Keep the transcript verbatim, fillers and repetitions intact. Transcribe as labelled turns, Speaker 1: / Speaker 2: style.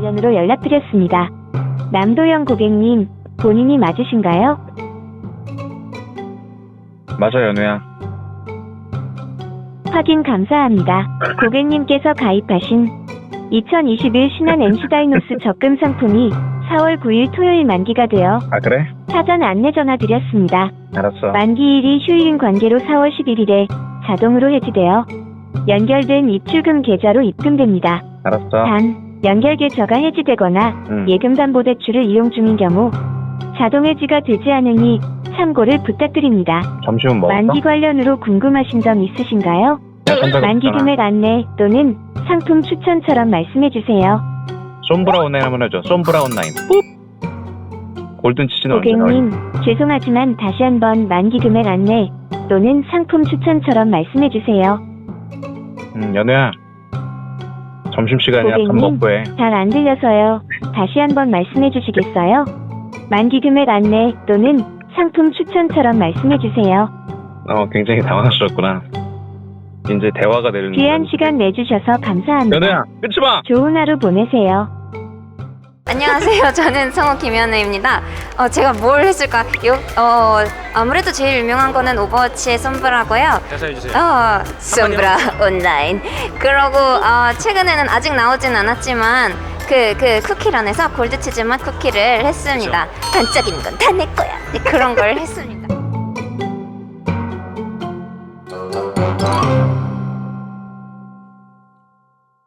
Speaker 1: 관련으로 연락드렸습니다. 남도영 고객님, 본인이 맞으신가요?
Speaker 2: 맞아, 연우야.
Speaker 1: 확인 감사합니다. 고객님께서 가입하신 이천이십일 신한 엔시다이노스 적금 상품이 사월 구일 토요일 만기가 되어
Speaker 2: 아, 그래?
Speaker 1: 사전 안내 전화 드렸습니다.
Speaker 2: 알았어.
Speaker 1: 만기일이 휴일인 관계로 사월 십일일에 자동으로 해지되어 연결된 입출금 계좌로 입금됩니다.
Speaker 2: 알았어.
Speaker 1: 단, 연결 계좌가 해지되거나
Speaker 2: 응.
Speaker 1: 예금담보대출을 이용 중인 경우 자동 해지가 되지 않으니 참고를 부탁드립니다.
Speaker 2: 점심은 먹었어?
Speaker 1: 만기 관련으로 궁금하신 점 있으신가요? 만기 금액 안내 또는 상품 추천처럼 말씀해주세요.
Speaker 2: 솜브라 온라인 한번 해줘. 솜브라 온라인.ปุ๊. 골든치즈는 언제 나와?
Speaker 1: 고객님, 죄송하지만 다시 한번 만기 금액 안내 또는 상품 추천처럼 말씀해주세요.
Speaker 2: 음, 연우야. 점심시간이야. 밥
Speaker 1: 고객님,
Speaker 2: 먹고 해.
Speaker 1: 잘 안 들려서요. 다시 한번 말씀해주시겠어요? 만기 금액 안내 또는 상품 추천처럼 말씀해주세요.
Speaker 2: 어, 굉장히 당황스럽구나. 이제 대화가 되는
Speaker 1: 귀한 시간 내주셔서 감사합니다.
Speaker 2: 연우야, 끊지 마!
Speaker 1: 좋은 하루 보내세요.
Speaker 3: 안녕하세요. 저는 성우 김현우입니다. 어, 제가 뭘 했을까요? 어, 아무래도 제일 유명한 거는 오버워치의 솜브라고요.
Speaker 2: 대사해주세요.
Speaker 3: 어, 솜브라 온라인. 그러고 어, 최근에는 아직 나오진 않았지만 그, 그 쿠키런에서 골드치즈 맛 쿠키를 했습니다. 반짝이는 건 다 내 거야. 네, 그런 걸 했습니다.